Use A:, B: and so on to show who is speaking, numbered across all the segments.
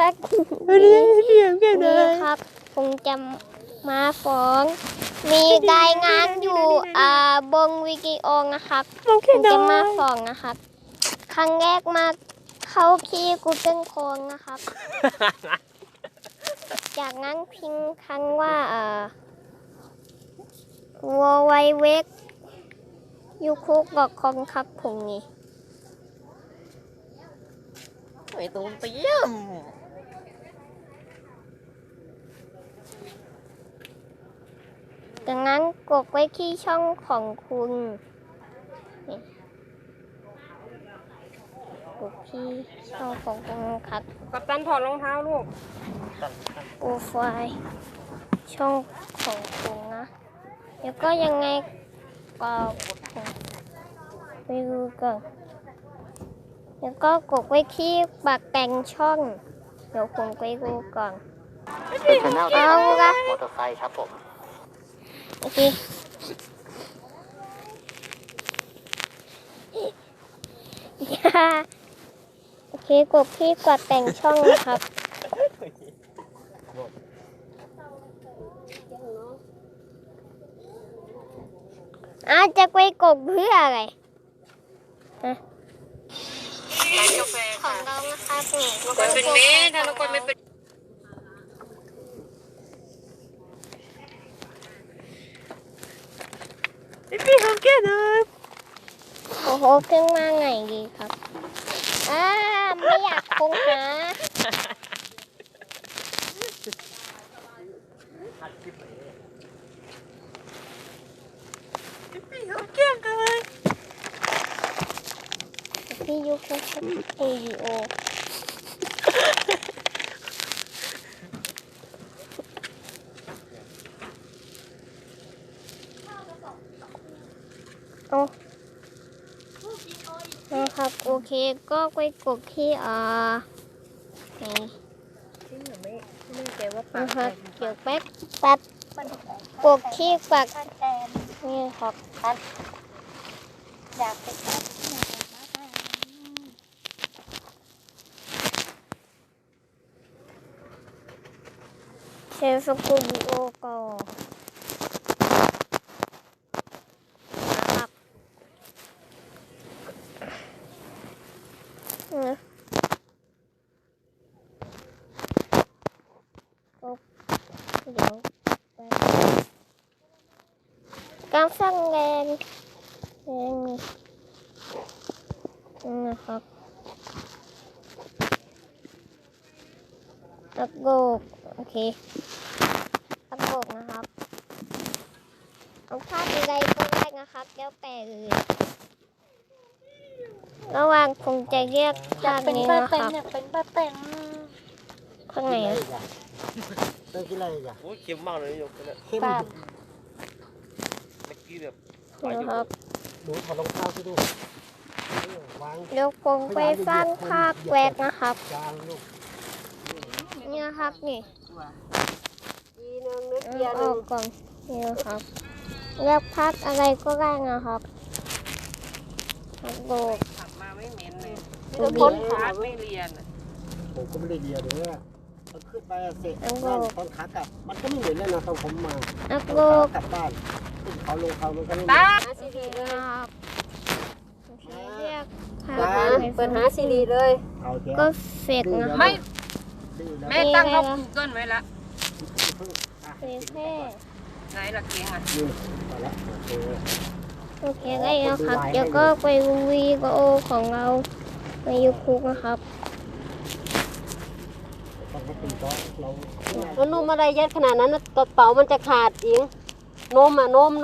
A: กนี่ครับคงจะมาฟ้องมีรายงานอยู่บนวิดีโอนะครับคงจะมาฟ้องนะครับครั้งแรกมาเข้าที่Google Chromeนะครับ จากนั้นพิมพ์คำว่าwww.youtube.com ครับผมนี่
B: ไม่ต้องเตรียม
A: จากนั้นกดไว้ที่ช่องของคุณกดที่ช่องของคุณครับ
B: กัปตันถอดรองเท้าลูก
A: โปรไฟล์ช่องของคุณนะแล้วก็ยังไงก็ไปดูก่อนแล้วก็กดไว้ที่ปากแต่งช่องเดี๋ยวผมไปดูก่อนเอาละ
C: มอเตอร์ไซค์ครับผม
A: โอเคโอเคกดที่ปากแต่งช่องนะครับจะไปกดเพื่ออะไรของเรานะคะนี่
B: คนเป็นเมย์ถ้าเราคนไม่เป็นพี่เขาแก่นะ
A: โอ้โหขึ้นมาไงดีครับไม่อยากคงหา
B: พี่เขาแก่เลย
A: พี่ยุคเขาชอบเอวีโอนะครับโอเคก็ไปกดที่
B: ไม่แกว่าปา
A: นะ
B: ก
A: ครับเกี่ยวแป๊บกดที่ปักนี่ครับอยากไปเชฟสกูบิโอก่อนนะครับเดี๋ยวการสร้างแรงนะครับอัพโหลดโอเคอัพโหลดนะครับเอาภาพอะไรก็ได้นะครับแล้วแต่เลยระหว่างคงจะเรียกด้านนี้นะครับ
B: เป็นป้าแต่ง
A: ข้างไหน
C: ต้องกินอะไรจ้ะ
B: โอ้ยเค็มมากเลยยกเนี่ย
C: เข้ม
B: เมื่อกี้แบบ
A: นะครับ
C: ดูถอดรองเท้าสิดู
A: เดี๋ยวผมไปสร้างภาพแวกนะครับนี่นะครับนี่ออกก่อนนี่นะครับเลือกภาพอะไรก็ได้นะครับโบก
B: ขับมาไม่เหม็นเลย
A: พ้น
B: ขาไม่เรียน
C: ผมก็ไม่ได้เรียนเลยว่ามันขึ้นไปเสร็จตอนขากลับมันก็ไม่เหมือนเลยนะตอนผมมากลับบ้านขึ้นเขาลงเขามันก็ไม่เหมือน
A: ซีดีครับเรียก
B: เปิดหาซีดีเลย
A: ก็เฟกนะครับ
B: แม่ตั้งเขาGoogleไว้ละ
A: เฟก
B: ไหนล่ะเกียงอ่ะ
A: โอเคได้แล้วครับเดี๋ยวก็ไปวีดีโอของเราในYouTubeนะครับ
B: มันนุ่มอะไรยัดขนาดนั้นกระเป๋ามันจะขาดอิงนม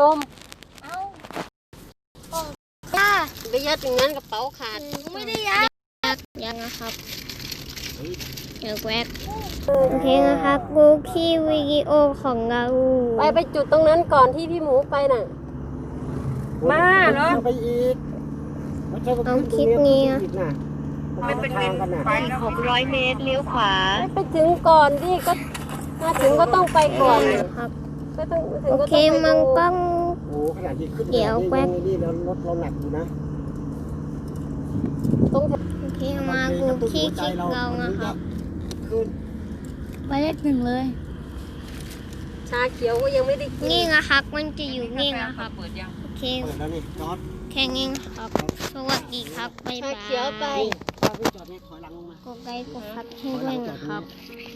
B: ไปยัดอย่างนั้นกระเป๋าขาด
A: ไม่ได้ยังนะครับเดี๋ยวแวกโอเคนะครับดูที่วิดีโอของเรา
B: ไปจุดตรงนั้นก่อนที่พี่หมูไปน่ะมาเนาะ
C: ไปอีก
A: เอาคลิปนี้
B: ไม่เป็นไป
A: 600 เมตรเลี้ยวขวา
B: ไปถึงก่อนดิก็มาถึงก็ต้องไปก่อน
A: ครับ
B: ก็ต้องถึง
A: โอเคมันต้อง
C: ขนาดที่ขึ้นเดี๋ยวแป๊บนี่แล้วรถเราหนักอยู่นะ
A: โอเคมาดูที่คลิปเรานะครับ
C: คืน
D: ไปเลขหนึ่งเลย
B: ชาเขียวก็ยังไม่ได้กิน
A: นี่นะครับ มันจะอยู่นี่นะครับ
E: เปิดยัง
A: โอเค
C: เปิดแล้วนี่จอด
A: แค่นี้ครับ สวัสดีครับ บ๊าย
B: ชา
A: บา
B: เขียวไป
A: ย
C: ถ้าพี่จอดนี่ถอยหลังลงมา
A: กดไลค์กดซับให้ด้วยนะครับ